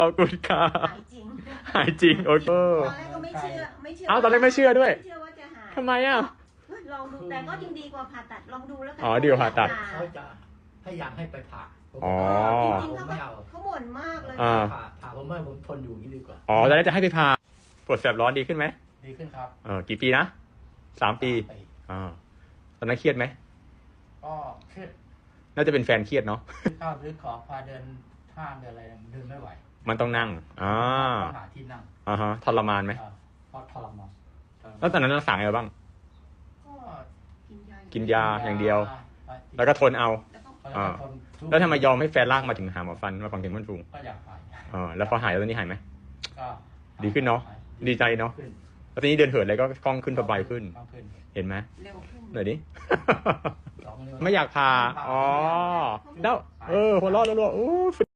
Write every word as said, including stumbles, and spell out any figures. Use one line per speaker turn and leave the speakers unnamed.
ขอบคุณค่ะ
หายจริง
หายจริงโอ้โห
ตอนแรกก็ไม่เชื่อไม่เชื่อ
อ้าวตอนแรกไม่เชื่อด้วย
ไม่เชื่อว่าจะหาย
ทำไมอ่ะ
เฮ้ยลองดูแต่ก็ยังดีกว่าผ่าตัดลองดูแล้วกัน
อ๋อดีกว่าผ่าตัด
เขาจะพยายามให้ไปผ่าผม
อ๋อ
จริงๆ
ผม
เขา
ไม่
ก็
เอา
เขาบ่นมากเลย
อ่า
ผ่าผ่าผมไม่ผมทนอยู่อย่างนี้ดีกว่า
อ๋อตอนแรกจะให้ไปพาปวดแสบร้อนดีขึ้นไหม
ดีขึ้นครับ
เออกี่ปีนะสามปีอ่าตอนนั้นเครียดไหม
ก็เครียด
น่าจะเป็นแฟนเครียดเนาะ
ซื้อข้าวซื้อของพาเดินห้างเดินอะไรเดินไม่ไหว
มันต้องนั่งอ่า
ต้องหาที่นั่ง
อ่าฮะทรมานไหม
อ่าเพราะทรมาน
แล้วตอนนั้นรักษาไงบ้าง
ก็
กินยา
กินยาอย่างเดียว แล้วก็ทนเอา
แล้วก็
แล้วก็ทนทุก
แล้วทำไมยอมให้แฟนลากมาถึงหาหมอฟันมาฟังถึงมันฟูง
ก็อยากหาย
เออแล้วพอหายแล้วตอนนี้หายไหม
ก็
ดีขึ้นเนอะ
หย
ดีใจเนอะ
ขึ้
แล้วตอนนี้เดินเหินอะไรก็คล่องขึ้นสบายขึ้น
คล่องขึ้น
เห็นไหม
เร็วขึ้น
หน่อยดิ
สองนิ้ว
ไม่อยากพาอ๋อแล้วเออหัวเราะรัวๆอู้